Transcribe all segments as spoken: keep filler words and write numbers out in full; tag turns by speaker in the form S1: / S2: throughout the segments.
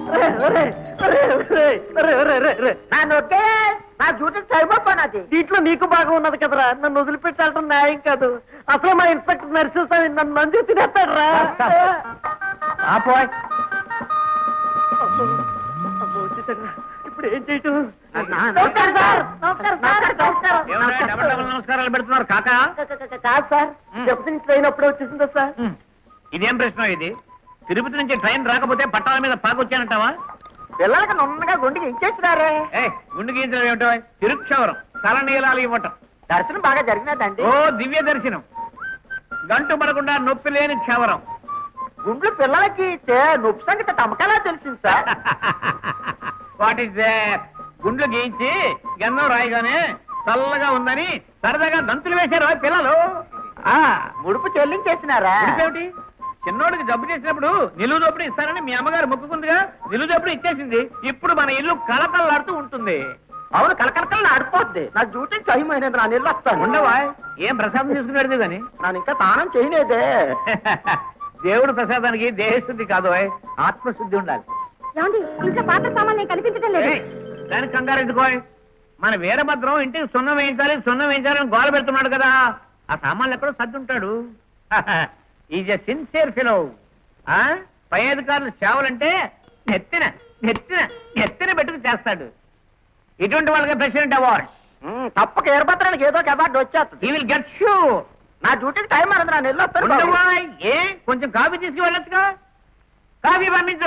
S1: నా డ్యూటీకి సరిపోయినది.
S2: దీంట్లో నీకు బాగా ఉన్నది కదరా, నన్ను వదిలిపెట్టాలటం న్యాయం కాదు. అసలు మా ఇన్స్పెక్టర్ నరసింహస్వామి నన్ను మంజూరు తినేస్తాడు రా. ఇప్పుడు ఏం చేయటం?
S3: నమస్కారాలు పెడుతున్నారు కాకా?
S2: కాదు సార్, తిరుపతి నుంచి ట్రైన్ అప్పుడే వచ్చేసిందా సార్?
S3: ఇదేం ప్రశ్న ఇది? తిరుపతి నుంచి ట్రైన్ రాకపోతే పట్టాల మీద పాకొచ్చానంటావా?
S1: పిల్లలకి నున్నగా గుండెకి ఇచ్చేసినారే.
S3: ఏ గుండు గీయించడం ఏమిటో? తిరుక్షవరం తలనీలాలు ఇవ్వటం.
S1: దర్శనం బాగా జరిగినదండి.
S3: ఓ దివ్య దర్శనం, గంటు పడకుండా నొప్పి లేని క్షవరం.
S1: గుండ్లు పిల్లలకి ఇచ్చే నొప్పి సంగతి తమకలా తెలిసింది సార్.
S3: వాట్ ఈస్ గుండ్లు గీయించి గంధం రాయిగానే చల్లగా ఉందని సరదాగా దంతులు వేశారు పిల్లలు.
S1: ఆ ముడుపు చెల్లించేసినారా?
S3: ఏమిటి? చిన్నోడికి జబ్బు చేసినప్పుడు నిలువు దోపుడు ఇస్తానని మీ అమ్మగారు మొక్కుకుందిగా, నిలువు దోపుడు ఇచ్చేసింది. ఇప్పుడు మన ఇల్లు కలకల్లాడుతూ ఉంటుంది.
S1: అవును, కలకలకల్లా ఆడిపోద్ది. నా డ్యూటీ టైం అయినది, నా నీళ్ళు వస్తాను.
S3: ఉండవా? ఏం ప్రసాదం తీసుకున్నాడు కానీ
S1: నేను ఇంకా స్నానం చేయలేదే.
S3: దేవుడు ప్రసాదానికి దేహశుద్ధి కాదు, ఆత్మశుద్ధి ఉండాలి.
S4: ఇంట్లో పాత్ర సామాన్లు కనిపించడం లేదు.
S3: దానికి కంగారు ఎందుకో? మన వీరభద్రం ఇంటికి సున్నం వేయించాలి సున్నం వేయించాలని గోల పెడుతున్నాడు కదా, ఆ సామాన్లు ఎక్కడో సర్దుంటాడు. Is a sincere fellow. పై అధికారులు సేవలంటే నెత్తిన నెత్తిన నెత్తిన పెట్టుకు చేస్తాడు. ఇటువంటి వాళ్ళకి ప్రెసిడెంట్ అవార్డ్.
S1: తప్పక వీరభద్రానికి ఏదో ఒక అవార్డు వచ్చేస్తుంది.
S3: He will get sure.
S1: నా డ్యూటీకి టైం అన్నది, నా నీళ్ళు వస్తాను.
S3: ఏ కొంచెం కాఫీ తీసుకువెళ్ళొచ్చుగా? కాఫీ పంపించు.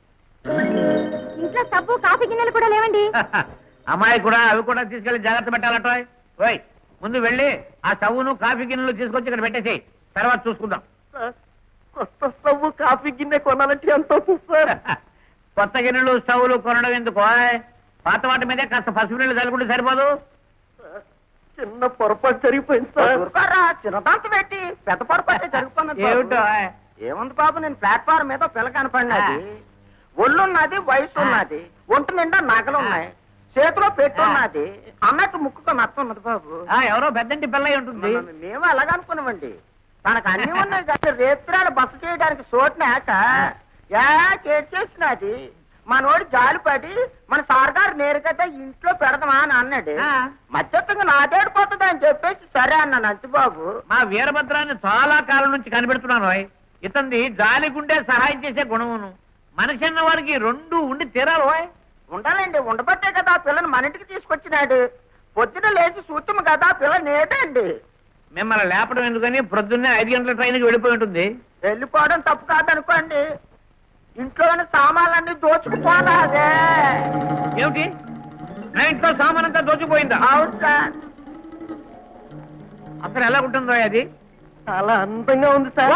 S4: ఇంట్లో సబ్బు కాఫీ గిన్నెలు కూడా లేవండి.
S3: అమ్మాయి కూడా అవి కూడా తీసుకెళ్లి జాగ్రత్త పెట్టాలట. ఓయ్ ముందు వెళ్ళి ఆ స్టవ్ను కాఫీ గిన్నెలు తీసుకొచ్చి ఇక్కడ పెట్టేసి తర్వాత చూసుకుందాం.
S2: కొత్త స్టవ్ కాఫీ గిన్నె కొనాలంటే ఎంత అవుతుంది సార్?
S3: కొత్త గిన్నెలు స్టవ్లు కొనడం ఎందుకు? పాత వాటి మీదే కాస్త పసుపు నీళ్ళు చల్లుకుంటే సరిపోదు.
S2: చిన్న పొరపాటు జరిగిపోయింది సార్.
S1: చిన్నదాంత పెట్టి పెద్ద పొరపాటు జరిగిపోయింది.
S3: ఏమిటో?
S1: ఏముంది బాబు, నేను ప్లాట్ఫామ్ మీద పిల్ల కనపడినది. ఒళ్ళున్నది, వయసు ఉన్నది, ఒంటి నిండా నగలు ఉన్నాయి, చేతిలో పెట్టున్నది అన్నట్టు ముక్కుతో నచ్చ ఉన్నది బాబు.
S3: ఎవరో పెద్దంటి పిల్ల ఉంటుంది.
S1: మేము అలాగనుకున్నామండి. తనకు అన్ని ఉన్నాయి కానీ రేత్రాలు బస చేయడానికి చోటునాక చేసినది. మనోడు జాలిపడి మన సార్ గారు నేరుగా ఇంట్లో పెడదామా అని అన్నాడు. మధ్యత్వంగా నాటేడిపోతుంది అని చెప్పేసి సరే అన్నాను అంచుబాబు.
S3: మా వీరభద్రాన్ని చాలా కాలం నుంచి కనిపెడుతున్నాను. ఇతంది జాలి గుండె సహాయం చేసే గుణమును, మనిషి అన్న వారికి రెండు ఉండి తీరాలి.
S1: ఉండాలండి, ఉండబట్టే కదా పిల్లని మన ఇంటికి తీసుకొచ్చినాడు. పొద్దున లేచి సూచము కదా పిల్ల నేటండి.
S3: మిమ్మల్ని లేపడం ఎందుకని ప్రొద్దున్నే ఐదు గంటల ట్రైన్కి వెళ్ళిపోయి ఉంటుంది.
S1: వెళ్ళిపోవడం తప్పు కాదనుకోండి, ఇంట్లోని సామాన్లన్నీ దోచుకుపోనాదే.
S3: ఏమిటి? నా ఇంట్లో సామాన్ అంతా దోచుకుపోయిందా?
S1: అవును సార్.
S3: అసలు ఎలా ఉంటుందో అది?
S2: చాలా అందంగా ఉంది సార్.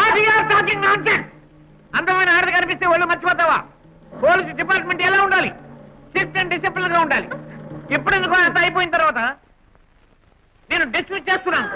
S3: అందమైన ఆడది కనిపిస్తే వాళ్ళు మర్చిపోతావా? పోలీసు డిపార్ట్మెంట్ ఎలా ఉండాలి? స్ట్రిక్ట్ అండ్ డిసిప్లిన్ గా ఉండాలి. ఇప్పుడు ఎందుకు అంత అయిపోయిన తర్వాత నేను డిస్మిస్ చేస్తున్నాను.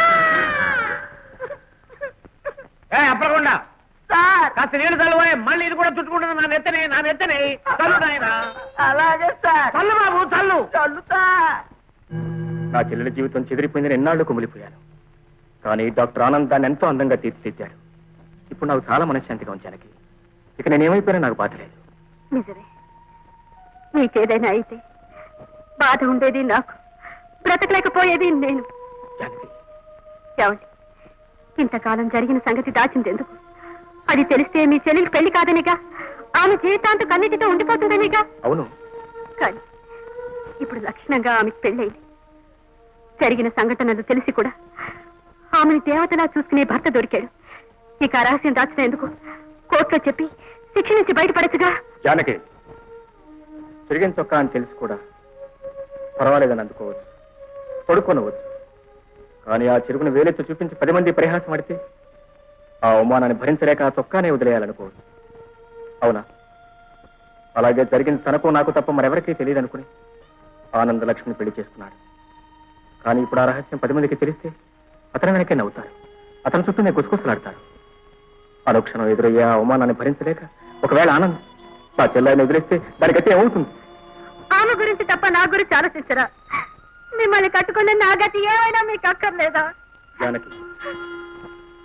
S3: ఏ అప్పకుండా కాస్త నీళ్ళు చల్లువే, మళ్ళీ ఇది కూడా చుట్టుకుంటుంది. నా నెత్తనే నా నెత్తనే చల్లు నాయన.
S1: అలాగే సార్.
S3: చల్లు బాబు చల్లు.
S1: చల్లుతా.
S5: నా చెల్లెల జీవితం చెదిరిపోయిందని ఎన్నాళ్ళు కుమిలిపోయాను. కానీ డాక్టర్ ఆనంద్ దాన్ని ఎంతో అందంగా తీర్చిదిద్దాడు. ఇప్పుడు నాకు చాలా మనశ్శాంతిగా ఉంచానికి. ఇక నేనేమైపోయినా నాకు బాధ లేదు.
S4: నిజమే, నీకేదైనా అయితే బాధ ఉండేది నాకు, బ్రతకలేకపోయేది నేను. ఏమండి, ఇంతకాలం జరిగిన సంగతి దాచిందెందుకు? అది తెలిస్తే మీ చెల్లెలు పెళ్లి కాదనిగా, ఆమె జీవితాంతం కన్నిటితో ఉండిపోతుందనిగా.
S5: అవును,
S4: కానీ ఇప్పుడు లక్షణంగా ఆమెకు పెళ్ళైంది. జరిగిన సంఘటనలు తెలిసి కూడా ఆమెను దేవతలా చూసుకునే భర్త దొరికాడు. ఇక ఆ రహస్యం దాచడం ఎందుకు? కోర్టులో చెప్పి శిక్ష నుంచి బయటపడచ్చుగా.
S5: జానకి, తిరిగిన చొక్కా అని తెలిసి కూడా పర్వాలేదని అందుకోవచ్చు, పడుకోనవచ్చు. కానీ ఆ చెరుకును వేలెత్తు చూపించి పది మంది పరిహాసం ఆడితే ఆ అవమానాన్ని భరించలేక ఆ చొక్కానే వదిలేయాలనుకోవచ్చు. అవునా? అలాగే జరిగింది తనకు నాకు తప్ప మరెవరికీ తెలియదు అనుకుని ఆనంద లక్ష్మిని పెళ్లి చేసుకున్నాడు. కానీ ఇప్పుడు ఆ రహస్యం పది మందికి తెలిస్తే అతని వెనకే నవ్వుతారు, అతని చుట్టూనే గుసగుసలాడతారు. అనుక్షణం ఎదురయ్యే ఆ అవమానాన్ని భరించలేక ఒకవేళ ఆనంద్ నా చెల్లాయిని వదిలేస్తే దానికైతే ఏమవుతుంది?
S4: ఆమె గురించి తప్ప నా గురించి ఆలోచించరా? మిమ్మల్ని కట్టుకున్న నా గతి ఏమైనా మీకు అక్కర్లేదా?
S5: జానకి,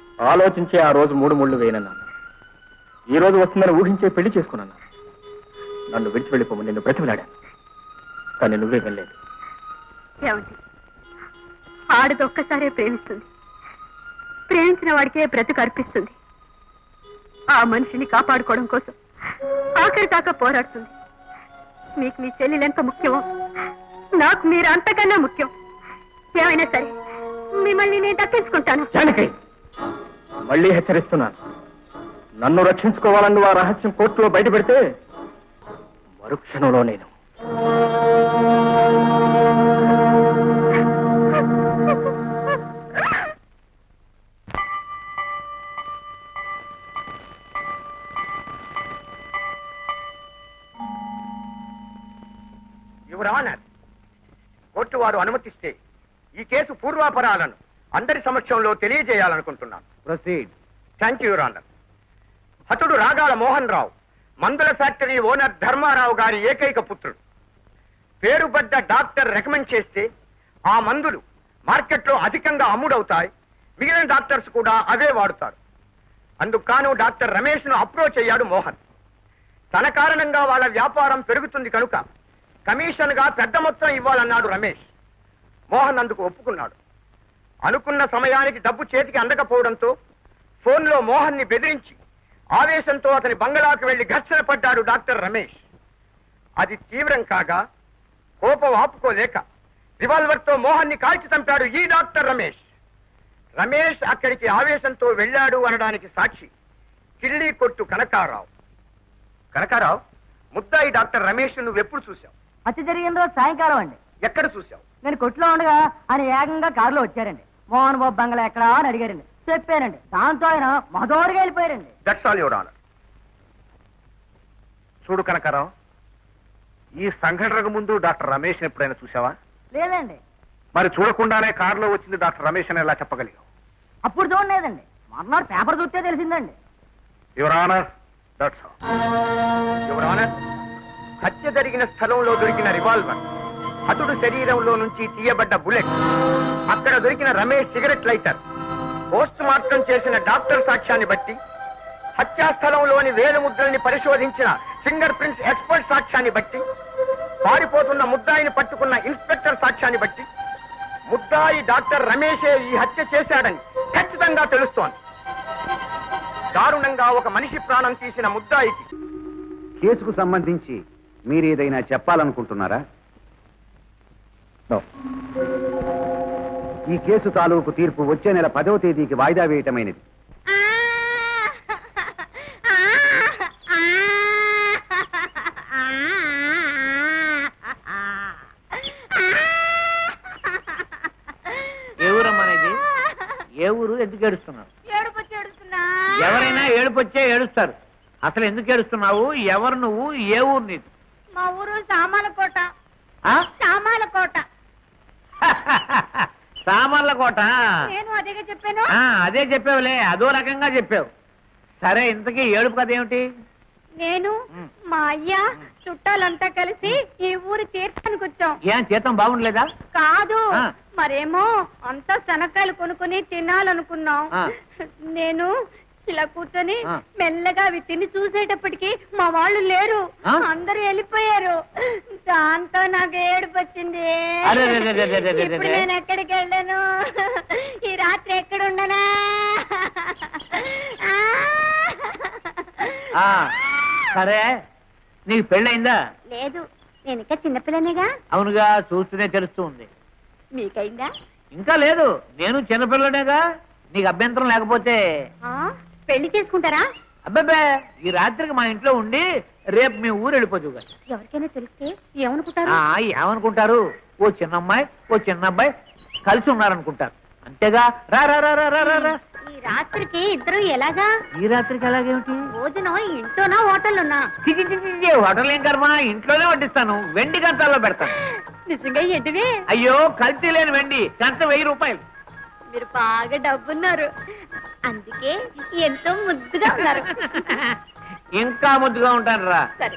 S5: ఆలోచించే ఆ రోజు మూడు ముళ్ళు వేయనన్నాను. ఈ రోజు వస్తుందని ఊహించే పెళ్లి చేసుకున్నాను. నన్ను విడిచి వెళ్ళిపోమని నిన్ను బ్రతిమలాడాను, కానీ నువ్వే వెళ్ళలేదు.
S4: ఏమండి, ఆడది ఒక్కసారే ప్రేమిస్తుంది, ప్రేమించిన వాడికే బ్రతుకు అర్పిస్తుంది. ఆ మనిషిని కాపాడుకోవడం కోసం ఆఖరి దాకా పోరాడుతుంది. మీకు మీ చెల్లెలు ఎంత ముఖ్యమో నాకు మీరు అంతకన్నా ముఖ్యం. ఏమైనా సరే మిమ్మల్ని నేను దక్కించుకుంటాను.
S5: జానకి, మళ్ళీ హెచ్చరిస్తున్నాను, నన్ను రక్షించుకోవాలని నువ్వు ఆ రహస్యం కోర్టులో బయట పెడితే మరుక్షణంలో నేను
S6: యువర్ ఆనర్, కోర్టు వారు అనుమతిస్తే ఈ కేసు పూర్వాపరాలను అందరి సమక్షంలో తెలియజేయాలనుకుంటున్నాను.
S3: Proceed.
S6: Thank you your honour. హతుడు రాగాల మోహన్ రావు మందుల ఫ్యాక్టరీ ఓనర్ ధర్మారావు గారి ఏకైక పుత్రుడు. పేరుబడ్డ డాక్టర్ రికమెండ్ చేస్తే ఆ మందులు మార్కెట్లో అధికంగా అమ్ముడవుతాయి, మిగిలిన డాక్టర్స్ కూడా అవే వాడుతారు. అందుకు కాను డాక్టర్ రమేష్ ను అప్రోచ్ అయ్యాడు మోహన్. తన కారణంగా వాళ్ళ వ్యాపారం పెరుగుతుంది కనుక కమిషన్ గా పెద్ద మొత్తం ఇవ్వాలన్నాడు రమేష్. మోహన్ అందుకు ఒప్పుకున్నాడు. అనుకున్న సమయానికి డబ్బు చేతికి అందకపోవడంతో ఫోన్లో మోహన్ ని బెదిరించి ఆవేశంతో అతని బంగళాకు వెళ్లి ఘర్షణ పడ్డాడు డాక్టర్ రమేష్. అది తీవ్రం కాగా కోపం ఆపుకోలేక రివాల్వర్ తో మోహన్ ని కాల్చి చంపాడు ఈ డాక్టర్ రమేష్. రమేష్ అక్కడికి ఆవేశంతో వెళ్ళాడు అనడానికి సాక్షి కిళ్ళీ కొట్టు కనకారావు. కనకారావు, ముద్దాయి డాక్టర్ రమేష్ నువ్వు ఎప్పుడు చూశావు?
S2: హత్య జరిగిన రోజు సాయంకాలం అండి.
S6: ఎక్కడ చూశావు?
S2: నేను కొట్లో ఉండగా ఆయన ఏకంగా కారులో వచ్చారండి. మోహన్ బాబు బంగ్లా ఎక్కడా అని అడిగారండి. చెప్పానండి. దాంతో ఆయన మధోరుగా వెళ్ళిపోయారండి.
S6: That's all your honour.
S7: చూడు కనకారావు, ఈ సంఘటనకు ముందు డాక్టర్ రమేష్ ఎప్పుడైనా చూసావా?
S2: లేదండి.
S7: మరి చూడకుండానే కారులో వచ్చింది డాక్టర్ రమేష్ అని ఎలా చెప్పగలిగావు?
S2: అప్పుడు చూడలేదండి, మర్నాడు పేపర్ చూస్తే తెలిసిందండి.
S7: Your honour, that's all.
S6: Your honour, హత్య జరిగిన స్థలంలో దొరికిన రివాల్వర్, హతుడు శరీరంలో నుంచి తీయబడ్డ బుల్లెట్, అక్కడ దొరికిన Ramesh cigarette lighter, post mortem చేసిన డాక్టర్ సాక్ష్యాన్ని బట్టి, హత్యా స్థలంలోని వేలు ముద్రల్ని పరిశోధించిన ఫింగర్ ప్రింట్స్ ఎక్స్పర్ట్ సాక్ష్యాన్ని బట్టి, పారిపోతున్న ముద్దాయిని పట్టుకున్న ఇన్స్పెక్టర్ సాక్ష్యాన్ని బట్టి ముద్దాయి డాక్టర్ రమేషే ఈ హత్య చేశాడని ఖచ్చితంగా తెలుస్తోంది. దారుణంగా ఒక మనిషి ప్రాణం తీసిన ముద్దాయికి
S8: కేసుకు సంబంధించి మీరేదైనా చెప్పాలనుకుంటున్నారా? ఈ కేసు తాలూకు తీర్పు వచ్చే నెల పదవ తేదీకి వాయిదా వేయటమైనది.
S3: ఏ ఊరమ్మనేది? ఏ ఊరు? ఎందుకు ఏడుస్తున్నావు? ఎవరైనా ఏడుపొచ్చే ఏడుస్తారు. అసలు ఎందుకు ఏడుస్తున్నావు? ఎవరు నువ్వు? ఏ ఊరు నీది?
S4: మా ఊరు సామాలకోట.
S3: ఆ?
S4: సామాలకోట.
S3: సామర్ల కోట.
S4: నేను అదేగా చెప్పాను.
S3: ఆ, అదే చెప్పావులే, అదో రకంగా చెప్పావు. సరే, ఇంతకీ ఏడుపు కథ ఏమిటి?
S4: నేను మా అయ్య చుట్టాలంతా కలిసి ఈ ఊరి తీర్థానికి వచ్చాం.
S3: ఏం జీతం బాగుండలేదా?
S4: కాదు,
S3: ఆ.
S4: మరేమో అంతా శనక్కాయలు కొనుక్కుని తినాలనుకున్నాం.
S3: ఆ.
S4: నేను ఇలా కూర్చొని
S3: ఆ.
S4: మెల్లగా అవి తిని చూసేటప్పటికి మా వాళ్ళు లేరు,
S3: ఆ?
S4: అందరూ వెళ్ళిపోయారు. దాంతో నాకు ఏడుపు వచ్చింది.
S3: అరే, రే, రే, రే, రే, రే, రే.
S4: ఇప్పుడు నేను ఎక్కడికి వెళ్ళాను? ఈ రాత్రి ఎక్కడుండనా?
S3: ఆ, సరే, నీకు పెళ్ళయిందా?
S4: లేదు, నేను ఇంకా చిన్నపిల్లనేగా.
S3: అవునుగా, చూస్తూనే తెలుస్తూ ఉంది.
S4: మీకైందా?
S3: ఇంకా లేదు, నేను చిన్నపిల్లనేగా. నీకు అభ్యంతరం లేకపోతే
S4: ఆ, పెళ్లి చేసుకుంటారా?
S3: అబ్బాబే, ఈ రాత్రికి మా ఇంట్లో ఉండి రేపు మీ ఊరు వెళ్ళిపోతుగా.
S4: ఎవరికైనా తెలిస్తే ఏమనుకుంటారు?
S3: ఆ, ఏమనుకుంటారు? ఓ చిన్న అమ్మాయి, ఓ చిన్న అబ్బాయి కలిసి ఉన్నారనుకుంటారు. అంతేగా. రా రా రా రా రా రా.
S4: ఈ రాత్రికి ఇద్దరు ఎలాగా?
S3: ఈ రాత్రికి ఎలాగేమిటి?
S4: భోజనం ఇంట్లోనా హోటల్లోనా?
S3: చి, చి, చి, చి, హోటల్ ఏం కర్మ, ఇంట్లోనే వడ్డిస్తాను. వెండి కంచాల్లో పెడతాను.
S4: నిజంగా ఏంటివి?
S3: అయ్యో, కల్తీ లేని వెండి కంచ వెయ్యి రూపాయలు.
S4: మీరు బాగా డబ్బున్నారు, అందుకే ఎంతో ముద్దుగా ఉన్నారు.
S3: ఇంకా ముద్దుగా ఉంటాను రా.
S4: సరే,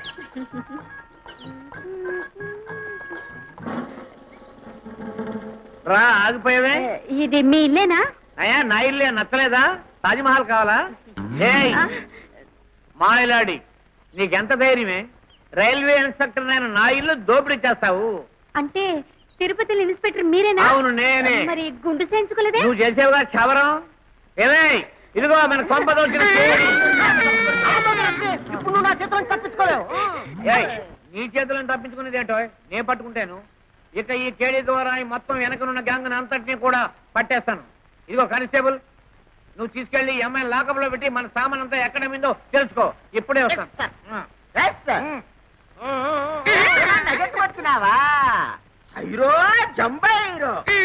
S3: రా, ఆగిపోయావే.
S4: ఇది మీ ఇల్లేనా?
S3: అయ్యా, నా ఇల్లే నచ్చలేదా? తాజ్మహల్ కావాలా? ఏయ్, మాయలాడి, నీకెంత ధైర్యమే? రైల్వే ఇన్స్పెక్టర్ నేను నా ఇల్లు దోపిడీ చేస్తావు.
S4: అంటే తిరుపతి ఇన్స్పెక్టర్ మీరేనా?
S3: అవును నేనే.
S4: మరి గుండు చేయించుకోలేదే?
S3: నువ్వు చేసేవుగా క్షవరం. ఏమే ఇదిగో మన కొంప దోచిన కేడి.
S2: ఇప్పుడు నువ్వు నా చేతులను తప్పించుకోలేవు.
S3: ఏయ్, నీ చేతులను తప్పించుకునేది ఏంటో నేను పట్టుకుంటాను. ఇక ఈ కేడీ ద్వారా ఈ మొత్తం వెనకనున్న గ్యాంగ్ అంతటినీ కూడా పట్టేస్తాను. ఇదిగో కానిస్టేబుల్, నువ్వు తీసుకెళ్లి ఈ అమ్మాయిని లాకప్ లో పెట్టి మన సామాన్ అంతా ఎక్కడ మిందో తెలుసుకో. ఇప్పుడే వస్తాను.
S1: వచ్చినావా హైరో జంబైరో